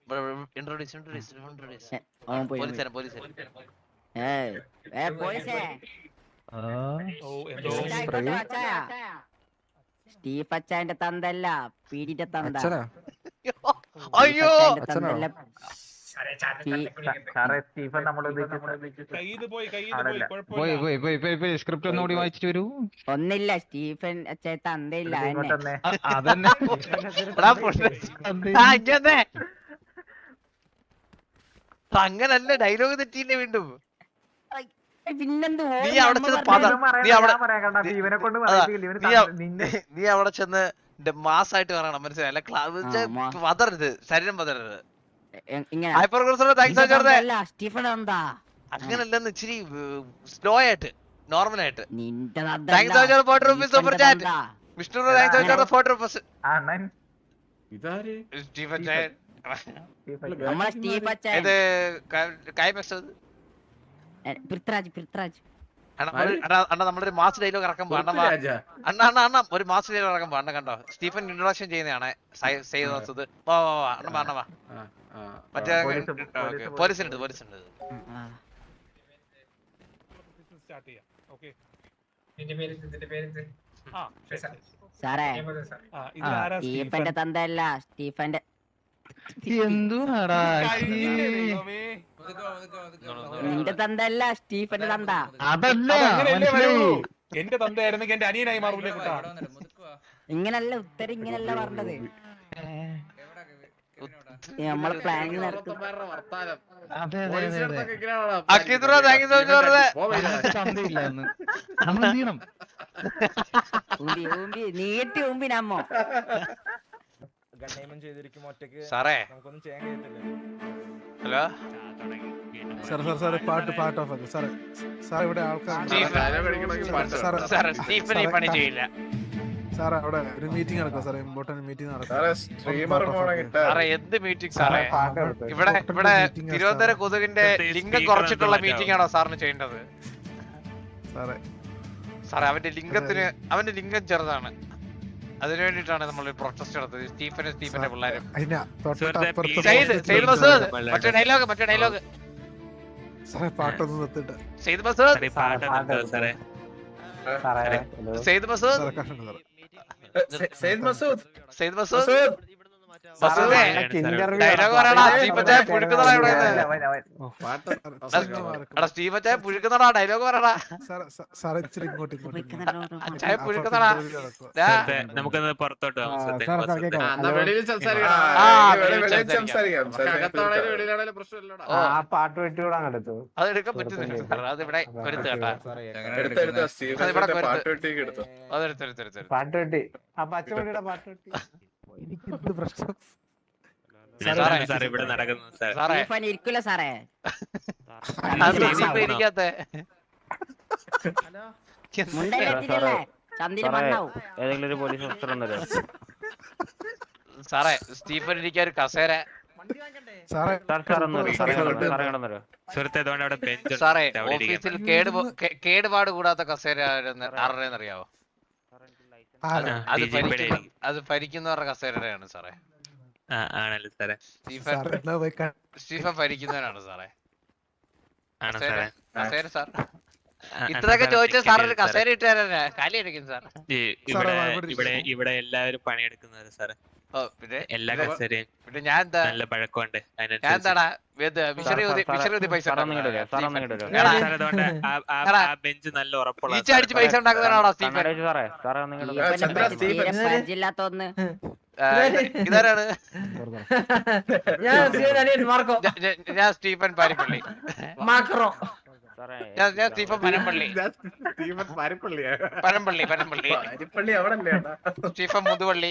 സ്റ്റീഫ് അച്ചായന്റെ തന്തല്ല പീഡിന്റെ തന്ത. അയ്യോ തന്തല്ല. സ്ക്രിപ്റ്റ് ഒന്നുകൂടി വായിച്ചിട്ട് വരൂ. ഒന്നില്ല, സ്റ്റീഫൻ അച്ചായ തന്തയില്ല. അതന്നെ അങ്ങനല്ല, ഡയലോഗ് തെറ്റിയില്ലേ വീണ്ടും. പിന്നെന്ത് നീ അവിടെ ചെന്ന് മാസായിട്ട് പറയണം, മനസ്സിലായില്ല? പതറരുത്, ശരീരം പതറരുത്. അങ്ങനല്ലെന്ന് ഇച്ചിരി സ്ലോ ആയിട്ട്, നോർമൽ ആയിട്ട്. വിഷ്ണു നമ്മളൊരു മാസ് ഡയലോഗ് ഇറക്കാൻ അണ്ണ ഒരു മാസ് ഡയലോഗ് ഇറക്കാൻ അണ്ണ കണ്ടോ? സ്റ്റീഫൻ ഇൻട്രൊഡക്ഷൻ ചെയ്യുന്നതാണ്. മറ്റേ പോലീസിനുണ്ട്. സാറേ സ്റ്റീഫന്റെ തന്തല്ല, സ്റ്റീഫന്റെ നിന്റെ തന്തല്ല, സ്റ്റീഫന്റെ തന്ത. എന്റെ തന്തയായിരുന്നെങ്കിൽ എന്റെ അനിയനായി മാറൂലേ കുട്ടാ. ഇങ്ങനല്ല ഉത്തരം, ഇങ്ങനല്ല പറഞ്ഞത്. നമ്മളെ പ്ലാനിങ് നടത്തും. നീട്ടി ഊമ്പി നമ്മോ സാറേ. ഹലോ പാട്ട് ഓഫ് ആക്കി സാറേ. സാർ ഇവിടെ ആൾക്കാർ പണി ചെയ്യില്ല സാറേ. അവിടെ ഒരു മീറ്റിംഗ് നടക്കുക സാറേ, ഇമ്പോർട്ടന്റ് മീറ്റിംഗ് നടക്കുക. എന്ത് മീറ്റിംഗ് സാറേ? ഇവിടെ തിരുവനന്തപുരം കൊതുകിന്റെ ലിംഗം കുറച്ചിട്ടുള്ള മീറ്റിംഗ് ആണോ സാറിന് ചെയ്യേണ്ടത്? സാറേ അവന്റെ ലിംഗം ചെറുതാണ്, അതിനു വേണ്ടിട്ടാണ് നമ്മൾ പ്രൊട്ടസ്റ്റ് നടത്തുന്നത്. സ്റ്റീഫന്റെ പിള്ളേരും. മറ്റേ ഡയലോഗ് പാട്ടൊന്നും നിർത്തിട്ട് സെയ്ദ് മസൂദ് ഡയലോഗ് പറയടാ. സ്റ്റീഫച്ചായ പുഴുക്കുന്നടാ, ഡയലോഗ് പറയടാ. നമുക്കൊന്ന് പുറത്തോട്ട് അതെടുക്കാൻ പറ്റുന്നില്ല. അതിവിടെ കൊരുത്ത് കേട്ടാ, പാട്ടുപെട്ടി ആ പച്ചമണിയുടെ പാട്ടുപെട്ടി. ഇവിടെ നടക്കുന്നു ഇരിക്കൂല സാറേ. ഏതെങ്കിലും ഒരു പോലീസ് ഓഫീസർ ഉണ്ടല്ലോ സാറേ. സ്റ്റീഫൻ ഇരിക്കാൻ ഒരു കസേര സാറേ. ഓഫീസിൽ കേടുപാട് കൂടാത്ത കസേര ആരുടെന്നറിയാവോ? അത് ഭരിക്കുന്നവരുടെ കസേരയാണ് സാറേ. സ്റ്റീഫൻ ഭരിക്കുന്നവനാണ് സാറേ. കസേര സാർ ഇത്രയൊക്കെ ചോദിച്ചാൽ സാർ ഒരു കസേര ഇട്ട് തരാനാ കാലി അടിക്കും സാർ. ഇവിടെ എല്ലാവരും പണിയെടുക്കുന്നത് സാറേ. എല്ലാ കസേരയും പിന്നെ ഞാൻ നല്ല പഴക്കമുണ്ട്. ഞാൻ എന്താടാ പൈസ ബെഞ്ച് നല്ല ഉറപ്പുള്ള അടിച്ച് പൈസ ഉണ്ടാക്കുന്നതാണോ സ്റ്റീഫൻ? ഇതാരാണ്? ഞാൻ സ്റ്റീഫൻ പാരിപ്പള്ളി. ഞാൻ സ്റ്റീഫൻ പനമ്പള്ളി. സ്റ്റീഫൻ മുതുവള്ളി.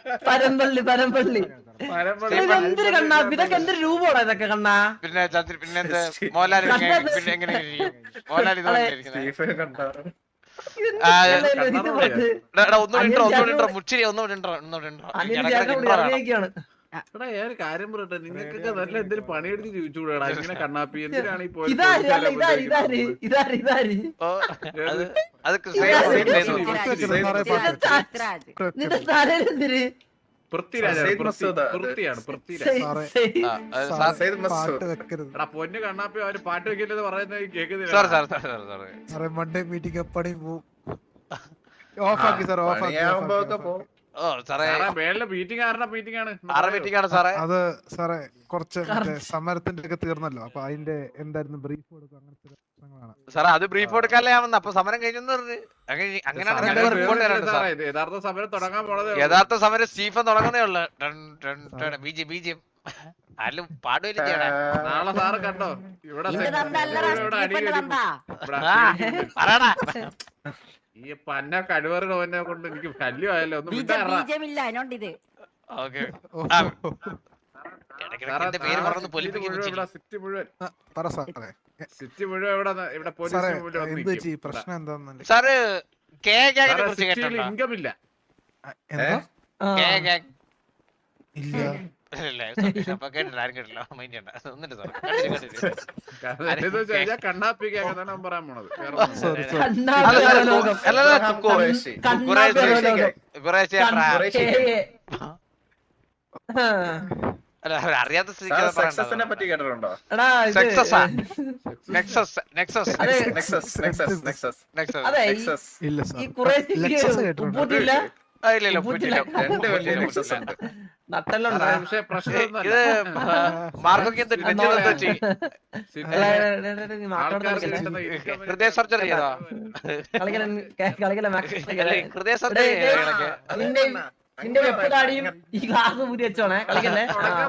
പിന്നെ പിന്നെന്ത് മോഹൻലാൽ പിന്നെ എങ്ങനെ മോഹൻലാൽ മുച്ചിരി കാര്യം പറയട്ടെ, നിങ്ങൾക്കൊക്കെ നല്ല എന്തെങ്കിലും പണിയെടുത്ത് ചോദിച്ചുകൂടാ. ഇങ്ങനെ കണ്ണാപ്പി എന്തിനാണ് ഈ പോയി പൃഥ്വിരാജ് പാട്ട് വെക്കരുത് എടാ പൊന്നു കണ്ണാപ്പി അവര് പാട്ട് വെക്കില്ലെന്ന് പറയുന്നത് കേൾക്കുന്നില്ല. സാറേ മൺഡേ മീറ്റിംഗ് എപ്പടി പോവും ഓഫാക്കി സാർ ഓഫാക്കി മീറ്റിംഗ് ആണ് അത് സാറേ കുറച്ച് സമരത്തിന്റെ ഒക്കെ തീർന്നല്ലോ അപ്പൊ അതിന്റെ എന്തായിരുന്നു ബ്രീഫ് കൊടുക്കും അങ്ങനത്തെ പ്രശ്നങ്ങളാണ് സാറേ അത് ബ്രീഫ് കൊടുക്കാല്ലേ ആവുന്ന അപ്പൊ സമരം കഴിഞ്ഞെന്ന് പറഞ്ഞു അങ്ങനെയാണ് യഥാർത്ഥ സമരം തുടങ്ങാൻ പോണത്. യഥാർത്ഥ സമരം സ്റ്റീഫൻ തുടങ്ങുന്നേ ഉള്ളു ബീജം ആരും പാടുകയില്ല ചെയ്യണേ നാളെ സാറ് കണ്ടോ ഇവിടെ പറയടാ ഈ പന്ന കഴിവറിനെ കൊണ്ട് എനിക്ക് ശല്യമായല്ലോ. ഒന്ന് ഇത് ഓക്കെ പേര് പറഞ്ഞു പൊലിപ്പിക്കുന്നു സിറ്റി മുഴുവൻ പറ സാറേ സിറ്റി മുഴുവൻ ഇവിടെ സാറേ പോലീസ് എന്ത് ചെയ് പ്രശ്നം എന്താന്നല്ലേ സാറ് കുറിച്ച് കേട്ടോ ഇൻകം ഇല്ല. എന്താ ഇല്ല അപ്പൊ കേട്ടില്ല ആരും കേട്ടില്ല മൈൻഡ് ചെയ്യണ്ട ഒന്നിട്ട് സാർ കണ്ണാപ്പിക്കാൻ പറയാൻ പോണത്. സോറി അറിയാത്ത സക്സസിനെ പറ്റി കേട്ടിട്ടുണ്ടോ? ഇല്ല ഈ സാർ കുറെ ലെക്സസ് കേട്ടിട്ടുണ്ടോ ഉപ്പൂറ്റില്ല രണ്ട് വലിയ നെക്സസ് ഉണ്ട്. നട്ടലുണ്ടോ പക്ഷെ പ്രശ്നം ഇത് മാർക്കൊക്കെ ഹൃദയ സർജറി ചെയ്തോ ഹൃദയ സർജറി നിന്റെ വെപ്പ് താടിയും ഈ ഗ്ലാസ് ഊരി വെച്ചോണേ കളിക്കല്ലേ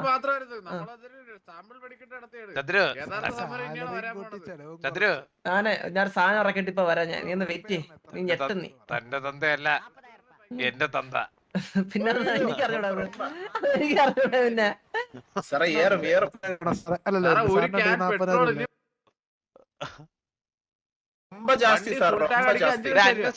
ചന്ദ്രു ഞാൻ സാധനം ഇറക്കിട്ട് ഇപ്പൊ വരാം ഞാൻ നീ ഒന്ന് വെയിറ്റ് നീ ഞെട്ടു നീ തന്റെ തന്തയല്ല എന്റെ തന്ത പിന്നെ എനിക്കറിയൂടാ എനിക്കറിയൂടാ പിന്നെ സാറേ ഏറും അല്ലല്ലോ ரொம்ப ஜாஸ்தி சார் ரொம்ப ஜாஸ்தி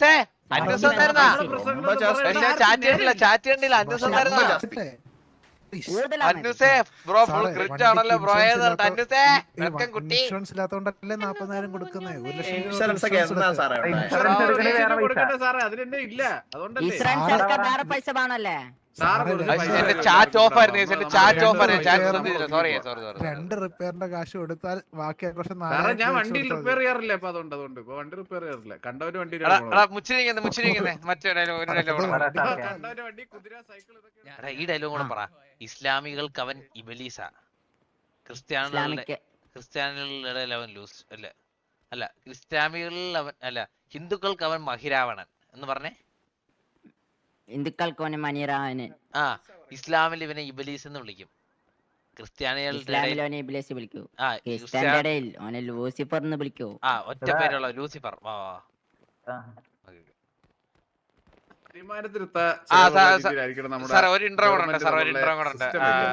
ചാറ്റ് കണ്ടില്ല അന്യൂസ് ഉണ്ടായിരുന്ന അന്യൂസേ ബ്രോ ഫുൾ ക്രിറ്റ് ആണല്ലോ ബ്രോ അന്യൂസേ വെൽക്കം കുട്ടി ഇൻഷുറൻസ് ഇല്ലാത്തോണ്ടല്ലേ 40,000 കൊടുക്കുന്നത് 1,00,000 ഇൻഷുറൻസ് ഒക്കെ എന്നാ സാറേ അതിലെന്നെ ഇല്ല. അതുകൊണ്ടല്ലേ ഇസ്രായേൽ സർക്കാർ വേറെ പൈസ വേണല്ലേ എന്റെ ചാറ്റ് ഓഫ് ആയിരുന്നു എന്റെ ചാറ്റ് ഓഫ് ആയിരുന്നു ചാറ്റ് സോറി 2 റിപ്പയറിന്റെ കാശ് കൊടുത്താൽ ബാക്കി ആഘോഷം ഞാൻ വണ്ടിയിൽ റിപ്പയർ ചെയ്യാറില്ല. അപ്പൊ അതുകൊണ്ട് ഇപ്പൊ വണ്ടി റിപ്പയർ ചെയ്യാറില്ല. കണ്ടവര് വണ്ടി മുച്ചിരിക്കുന്നേ മറ്റേ ഡയലോഗ് കണ്ടവര് വണ്ടി കുതിര സൈക്കിൾ ഇതൊക്കെ ഈ ഡയലോഗ് കൂടെ പറ. ഇസ്ലാമികൾക്ക് അവൻ ഇബലീസ, ക്രിസ്ത്യാനികളുടെ അവൻ ലൂസ് അല്ല ഇസ്ലാമികളിൽ അവൻ അല്ല ഹിന്ദുക്കൾക്ക് അവൻ മഹിരാവണൻ എന്ന് പറഞ്ഞേ. ഹിന്ദുക്കൾക്ക് മനിറാവന് ഇസ്ലാമിൽ ഇവനെ ഇബലീസ് എന്ന് വിളിക്കും. ഇസ്ലാമിൽ ഇബ്ലീസ് വിളിക്കൂ. ക്രിസ്ത്യാനിയുടെ ഓനെ ലൂസിഫർ എന്ന് വിളിക്കൂ. ഒറ്റ പേരുള്ള ലൂസിഫർ. ഒരു ഇന്റർവ്യൂ കൂടെ ഉണ്ട്.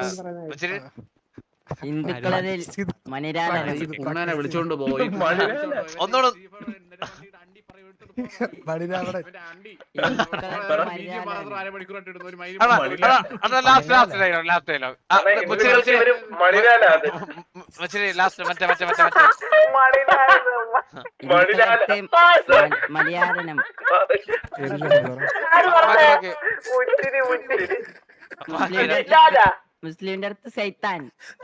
ഹിന്ദുക്കളിൽ മനിരാവനെ വിളിച്ചോണ്ട് പോയി ഒന്നുകൂടെ മലയാളം മുസ്ലിമിന്റെ അടുത്ത് സൈത്താൻ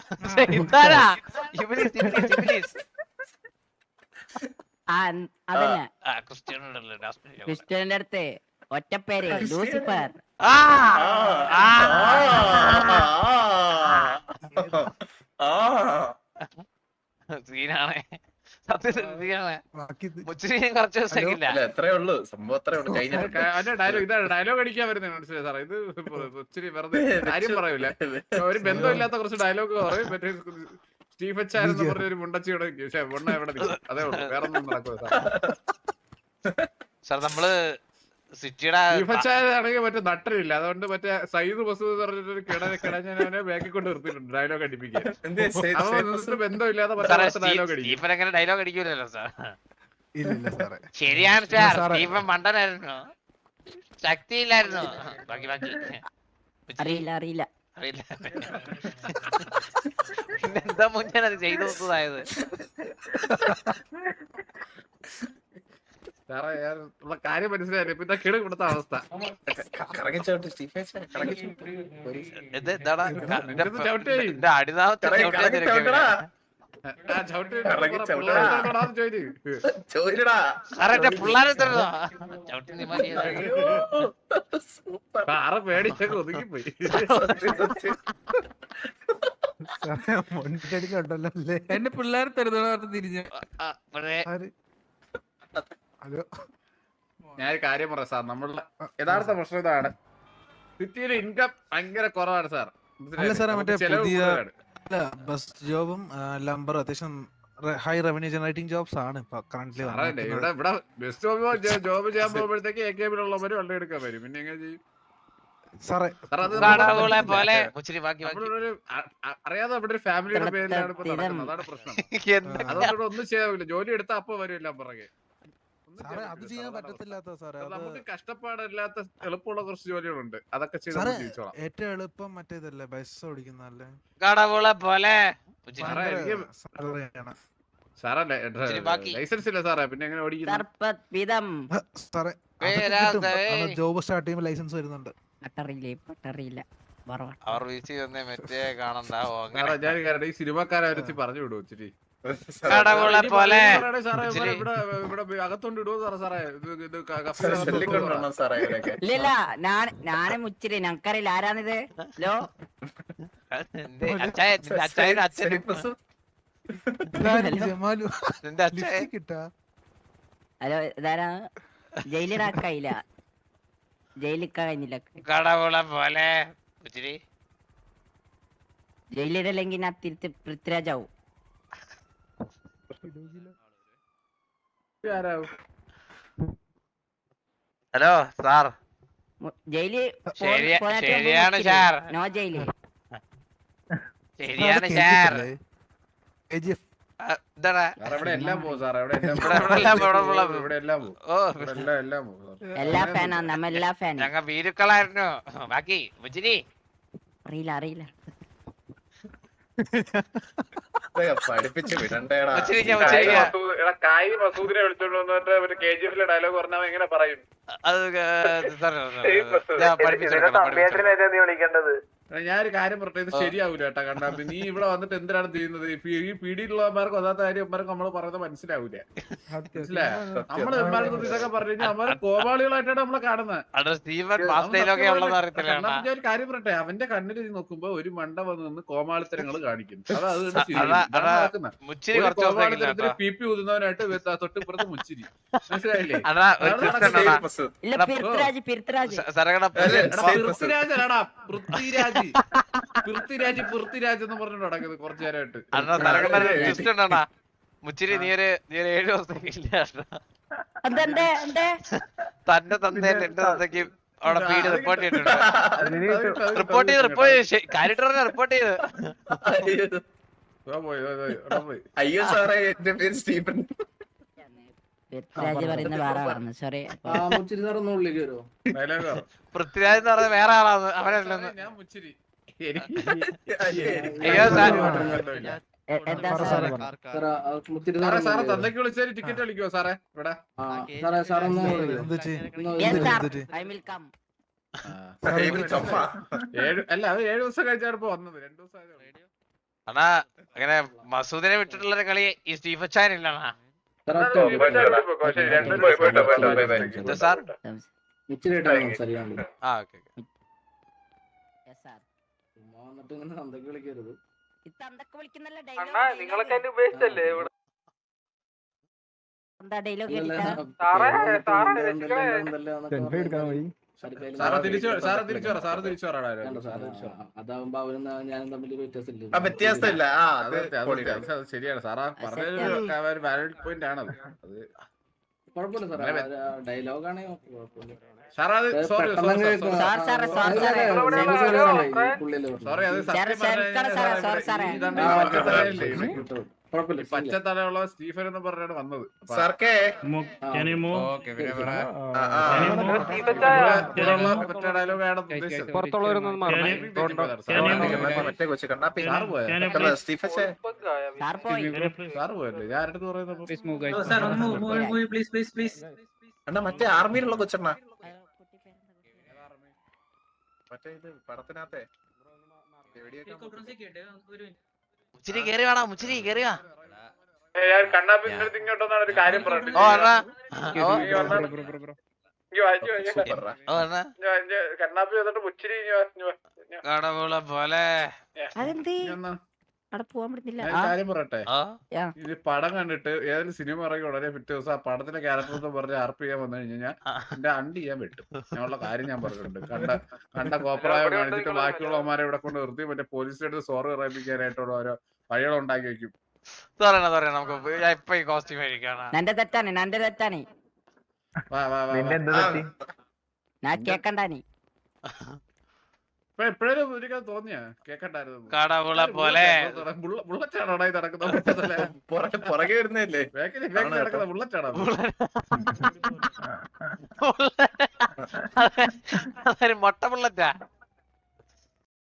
അതന്നെ ക്രിസ്ത്യന്റെ അടുത്ത് ഒറ്റപ്പേര് ലൂസിഫർ. സീനാണേ കുറച്ച് ദിവസമില്ല. എത്രയേ ഉള്ളൂ സംഭവം എത്രയേ ഉള്ളൂ. ഡയലോഗ് അടിക്കാൻ വരുന്നത് മനസ്സിലായി സാറേ. ഇത് ഒത്തിരി വെറുതെ കാര്യം പറയൂല. ഒരു ബന്ധമില്ലാത്ത കുറച്ച് ഡയലോഗ് പറയും. മറ്റേ സ്റ്റീഫൻ ചാൻ എന്ന് പറഞ്ഞ ഒരു മുണ്ടച്ചിയുടെ മുണ്ണ എവിടെ നിൽക്കും. അതേ ഉള്ളൂ, വേറെ ഒന്നും നടക്കൂല സാർ. നമ്മള് സിറ്റിയുടെ സ്റ്റീഫൻ ചാൻ ആണെങ്കിൽ മറ്റേ നട്ടലില്ല. അതുകൊണ്ട് മറ്റേ സയ്യിദ് മസൂദ് പറഞ്ഞിട്ടൊരു കിടഞ്ഞവനെ ബാക്കിൽ കൊണ്ട് നിർത്തിയിട്ടുണ്ട് ഡയലോഗ് അടിപ്പിക്കാൻ. ബന്ധമില്ലാതെ ഡയലോഗ് അടിക്കും. അങ്ങനെ ഡയലോഗ് അടിക്കൂലല്ലോ സാർ. ശരിയാണ് സാർ. സ്റ്റീഫൻ മണ്ടനായിരുന്നു, ശക്തിയില്ലായിരുന്നു. ബാക്കി അറിയില്ല പിന്നെന്താ മുന്നേ അത് ചെയ്തു നോക്കുന്നതായത്. സാറേ കാര്യം മനസ്സിലായില്ല. ഇപ്പൊ ഇതാ കിട കൊടുത്ത അവസ്ഥ. കറങ്ങിച്ചോട്ട് സ്റ്റീഫേച്ചാ കറങ്ങിച്ചു ഇത് എന്താടാ നിനക്കിത് ചവിട്ടി. എന്റെ അടിനാമത്തെ ചവിട്ടടാ ആ ചവിട്ടി കറങ്ങി ചവിട്ടടാ. പിള്ളേരോടാന്ന് ചോദിച്ചു. ചോദിച്ചടാ സാറേ എന്റെ പിള്ളേരെ തരുന്നോ ചവിട്ടി നീ മതി സാറ് പേടിച്ചൊക്കെ ഒതുങ്ങിപ്പോയി. മുണ്ടടിക്കുണ്ടല്ലോ അല്ലേ? എന്റെ പിള്ളേർ തരുന്ന തിരിഞ്ഞു. ഹലോ, ഞാനൊരു കാര്യം പറയാം സാർ, നമ്മളുടെ യഥാർത്ഥ പ്രശ്നം ഇതാണ്. സിറ്റിയിലെ ഇൻകം ഭയങ്കര കുറവാണ് സാർ. അല്ല സാറേ, മറ്റേ ചെലവ് പുതിയ കൂടുതലാണ്. ബസ് ജോബും ലംബർ അത്യാവശ്യം ഹൈ റവന്യൂ ജനറേറ്റിംഗ് ജോബ്സ് ആണ് ഇപ്പൊ കറന്റ് സാറേ ഇവിടെ ബെസ്റ്റ് ജോബ് ചെയ്യാൻ പോകുമ്പോഴത്തേക്ക് AKB-ലുള്ളവര് വണ്ടി എടുക്കാൻ വരും. പിന്നെ എങ്ങനെ ചെയ്യും സാറേ? കടവുകളെ പോലെ മുച്ചിരി ബാക്കി നമ്മളൊരു അറിയാതെ അവിടെ ഒരു ഫാമിലിയുടെ പേരിലാണ് ഇപ്പൊ നടക്കുന്നത്. അതാണ് പ്രശ്നം. അതുകൊണ്ട് ഇവിടെ ഒന്നും ചെയ്യാവില്ല. ജോലി എടുത്താൽ അപ്പൊ വരും എല്ലാം പുറകെ. സാറേ അത് ചെയ്യാൻ പറ്റത്തില്ലാത്ത സാറേ. നമുക്ക് കഷ്ടപ്പാടില്ലാത്ത എളുപ്പമുള്ള കുറച്ച് ജോലികളുണ്ട്. അതൊക്കെ ചെയ്ത് സാറേ ജീവിച്ചോളാം. ഏറ്റവും എളുപ്പം മറ്റേതല്ലേ, ബസ് ഓടിക്കുന്നല്ലേ? കടവുകളെ പോലെ സാറല്ലേ ലൈസൻസ് ഇല്ല സാറേ, പിന്നെ എങ്ങനെ ഓടിക്കുന്നത്? സാറേ ജോബ് സ്റ്റാർട്ട് ചെയ്യുമ്പോൾ ലൈസൻസ് വരുന്നുണ്ട്. അവർ വീഴ്ച തന്നെ മറ്റേ കാണണ്ടാവോ അങ്ങനെ ഞാൻ കാരണം ഈ സിനിമക്കാരെ പറഞ്ഞു വിടും ഇച്ചിരി. കടവുകളെ പോലെ സാറേ ഇവിടെ അകത്തോണ്ട് ഇടുവോ സാറേ? സാറേ ചൊല്ലിക്കൊണ്ടാണോ സാറേ ഇവരൊക്കെ? ഇല്ല ഞാനും മുച്ചിരി ഞങ്ങക്കറിയില്ല ആരാണിത്. ഹലോ അച്ഛനും അച്ഛനും ജമാലു നിന്റെ അച്ഛൻ കിട്ടാ. ഹലോ ഇതാരാ? ജയിലിലാക്കായില്ല, ജയിലിക്ക കഴിഞ്ഞില്ല. കടവുകളെ പോലെ മുച്ചിരി ജയിലിടല്ലെങ്കിൽ ഞാൻ തിരുത്തി പൃഥ്വിരാജാവും. ഹലോ സാർ, ജയില് ശരിയാണ് സാർ, നോ ജയില്. ശരിയാണ് സാർ. എന്താടാ ഇവിടെ എല്ലാം പോകും സാറേ. ഇവിടെ എല്ലാം പോകും. ഓ എല്ലാം പോകും. എല്ലാ ഫാനാണ് നമ്മ, എല്ലാ ഫാനും. ഞങ്ങ വീരുക്കളായിരുന്നു. ബാക്കി മുച്ചിരി അറിയില്ല. പഠിപ്പിച്ച് വിടണ്ടേടാ. കായ് മസൂദിനെ വിളിച്ചോണ്ട് വന്നിട്ട് KGF-ലെ ഡയലോഗ് പറഞ്ഞാൽ എങ്ങനെ പറയും? അത് ഞാനൊരു കാര്യം പറഞ്ഞത് ഇത് ശരിയാവൂല കേട്ടാ. കണ്ടാ നീ ഇവിടെ വന്നിട്ട് എന്തിനാണ് ചെയ്യുന്നത്? ഈ പീഡിയിലുള്ളവന്മാർക്ക് ഒന്നാത്ത കാര്യന്മാർക്ക് നമ്മള് പറയുന്നത് മനസ്സിലാവൂല. മനസ്സിലായോ? നമ്മള് ഇതൊക്കെ പറഞ്ഞു കഴിഞ്ഞാൽ അവന്മാര് കോപാളികളായിട്ടാണ് നമ്മളെ കാണുന്നത്. ഞാൻ ഒരു കാര്യം പറയട്ടെ, അവന്റെ കണ്ണിൽ നോക്കുമ്പോ ഒരു മണ്ട വന്ന് നിന്ന് കോമാളിത്തരങ്ങൾ കാണിക്കും. കോമാളിത്തരത്തിന് PP ഊതുന്നവനായിട്ട് തൊട്ടിപ്പുറത്ത് മുച്ചിരി. മനസ്സിലായില്ലേ? പൃഥ്വിരാജ് എന്ന് പറഞ്ഞിട്ട് നടക്കുന്നത് കുറച്ചു നേരമായിട്ട്. മുച്ചിരി നീ ഒരു 7 ദിവസത്തേക്ക് ഇല്ല തന്റെ തന്റെ എന്റെ തന്തയ്ക്ക് അവിടെ പീഡ് റിപ്പോർട്ട് ചെയ്തിട്ടുണ്ട്. റിപ്പോർട്ട് ചെയ്ത് അയ്യോ സാറേ, എന്റെ പേര് സ്റ്റീഫൻ. പൃഥ്വിരാജ് പറയുന്ന വേറെ പറഞ്ഞു. സോറി. പൃഥ്വിരാജ് എന്ന് പറഞ്ഞ വേറെ ആളാണ്. അവനല്ലെന്ന്. ഞാൻ മുച്ചിരി. അയ്യോ സാർ, സാറേ തന്തയ്ക്ക് വിളിച്ചാൽ ടിക്കറ്റ് കളിക്കുവോ സാറേ? ഇവിടെ അല്ല, അത് 7 ദിവസം കഴിച്ചാണ് ഇപ്പൊ വന്നത്. 2 ദിവസം അണ്ണാ അങ്ങനെ മസൂദിനെ വിട്ടിട്ടുള്ള കളി ഈ സ്റ്റീഫൻ ചാൻ ഇല്ലണ്ണാ. സാർ നിങ്ങളൊക്കെ ഉപേക്ഷിച്ചല്ലേ ഡയലോഗ് അതാവുമ്പോ അവരും ഞാനും തമ്മിൽ വ്യത്യാസമില്ല. വ്യത്യാസമില്ല. ശരിയാണ് സാറാ പറഞ്ഞ വാലിഡ് പോയിന്റ് ആണ്. അത് കുഴപ്പമില്ല സാറേ, ഡയലോഗാണ് കുഴപ്പമില്ല. സോറി അത് പച്ചത്തലയുള്ള സ്റ്റീഫൻ എന്ന് പറഞ്ഞാണ് വന്നത്. മറ്റേ ഡയലോഗാണ് ഉദ്ദേശിച്ചത്. മറ്റേ കൊച്ചു കണ്ണാപ്പി സ്റ്റീഫൻ സാറ് പോയല്ലേ? ഞാൻ ആരുടെ പറയുന്നത്? അണ്ണാ മറ്റേ ആർമിയിലുള്ള കൊച്ചണ്ണ മറ്റേ ഇത് പടത്തിനകത്തെ മുച്ചിരി കേറി വേണ മുച്ചിരി കേറി വാ കണ്ണാപ്പിന്റെ അടുത്ത് ഇങ്ങോട്ടൊന്നാണ് ഒരു കാര്യം പറഞ്ഞിട്ട് ഓ അണ്ണാ കണ്ണാപ്പി വന്നിട്ട് മുച്ചിരി കടവുള പോലെ കാര്യം പറയട്ടെ ഇത് പടം കണ്ടിട്ട് ഏതൊരു സിനിമ ഇറങ്ങി ഉടനെ പിറ്റേ ദിവസം ആ പടത്തിലെ ക്യാരക്ടർ എന്ന് പറഞ്ഞ് ആർപ്പ് ചെയ്യാൻ വന്നു കഴിഞ്ഞാൽ എന്റെ അണ്ടി ചെയ്യാൻ പറ്റും ഞാനുള്ള കാര്യം ഞാൻ പറഞ്ഞിട്ടുണ്ട് കണ്ട കോപ്രായം കാണിച്ചിട്ട് ബാക്കിയുള്ളവന്മാരെ ഇവിടെ കൊണ്ട് നിർത്തി മറ്റേ പോലീസിന്റെ അടുത്ത് സോറി പറയിപ്പിക്കാനായിട്ടുള്ള ഓരോ വഴികൾ ഉണ്ടാക്കി വെക്കും നമുക്ക് ഇപ്പൊ ഈ കോസ്റ്റ്യൂം കഴിക്കാണ് നന്റെ തെറ്റാണ് ഞാൻ കേക്കണ്ടാനി എപ്പോഴും ഒരിക്കൽ തോന്നിയാ കേക്കണ്ടായിരുന്നു കടവുള പോലെ ബുള്ളറ്റാണോടാ ഇത് നടക്കുന്നത് പുറകെ വരുന്നല്ലേ നടക്കുന്ന ബുള്ളറ്റാണോ മൊട്ട ബുള്ളറ്റാ